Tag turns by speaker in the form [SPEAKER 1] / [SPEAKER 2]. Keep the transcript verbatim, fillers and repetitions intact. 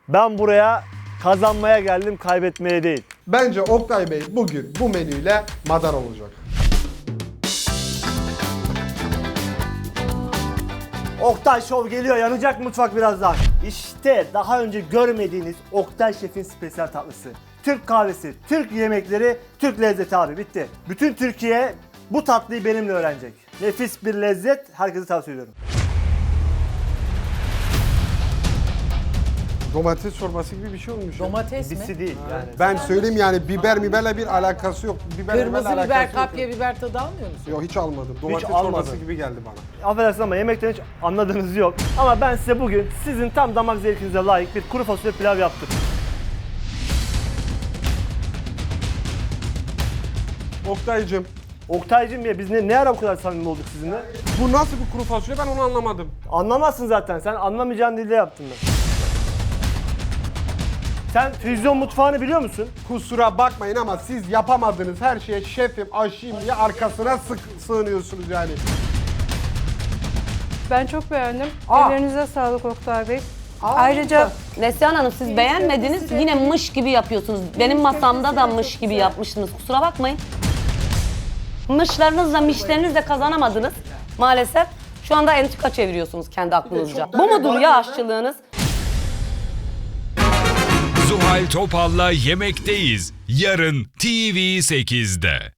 [SPEAKER 1] Ben buraya kazanmaya geldim, kaybetmeye değil.
[SPEAKER 2] Bence Oktay Bey bugün bu menüyle madar olacak.
[SPEAKER 1] Oktay Show geliyor, yanacak mutfak birazdan. İşte daha önce görmediğiniz Oktay Şef'in spesiyal tatlısı. Türk kahvesi, Türk yemekleri, Türk lezzeti abi, bitti. Bütün Türkiye bu tatlıyı benimle öğrenecek. Nefis bir lezzet, herkese tavsiye ediyorum.
[SPEAKER 2] Domates çorbası gibi bir şey olmuş. ya.
[SPEAKER 3] Domates mi?
[SPEAKER 1] Bisi değil yani.
[SPEAKER 2] Ben söyleyeyim yani biber biberle bir alakası yok. Biber
[SPEAKER 3] Kırmızı
[SPEAKER 2] biberle
[SPEAKER 3] biber,
[SPEAKER 2] alakası yok.
[SPEAKER 3] kapya biber tadı almıyor musun?
[SPEAKER 2] Yok hiç almadım. Domates
[SPEAKER 1] almadım.
[SPEAKER 2] çorbası gibi geldi bana.
[SPEAKER 1] Affedersin ama yemekten hiç anladığınız yok. Ama ben size bugün sizin tam damak zevkinize layık bir kuru fasulye pilav yaptım.
[SPEAKER 2] Oktay'cım
[SPEAKER 1] Oktay'cım ya biz ne, ne ara bu kadar samimi olduk sizinle?
[SPEAKER 2] bu nasıl bir kuru fasulye ben onu anlamadım.
[SPEAKER 1] Anlamazsın zaten, sen anlamayacağın dilde yaptın ben. Sen füzyon mutfağını biliyor musun?
[SPEAKER 2] Kusura bakmayın ama siz yapamadığınız her şeye şefim, aşıyım diye arkasına sık sığınıyorsunuz yani.
[SPEAKER 4] Ben çok beğendim.
[SPEAKER 3] Aa.
[SPEAKER 4] Ellerinize sağlık Oktay Bey. Ayrıca
[SPEAKER 5] Neslihan Hanım siz beğenmediniz, yine mış gibi yapıyorsunuz. Benim masamda da mış gibi yapmıştınız, kusura bakmayın. Mışlarınızla mişlerinizle kazanamadınız maalesef. Şu anda entrika çeviriyorsunuz kendi aklınızca. Bu mudur ya aşçılığınız?
[SPEAKER 6] Zuhal Topal'la Yemekteyiz. Yarın T V sekizde.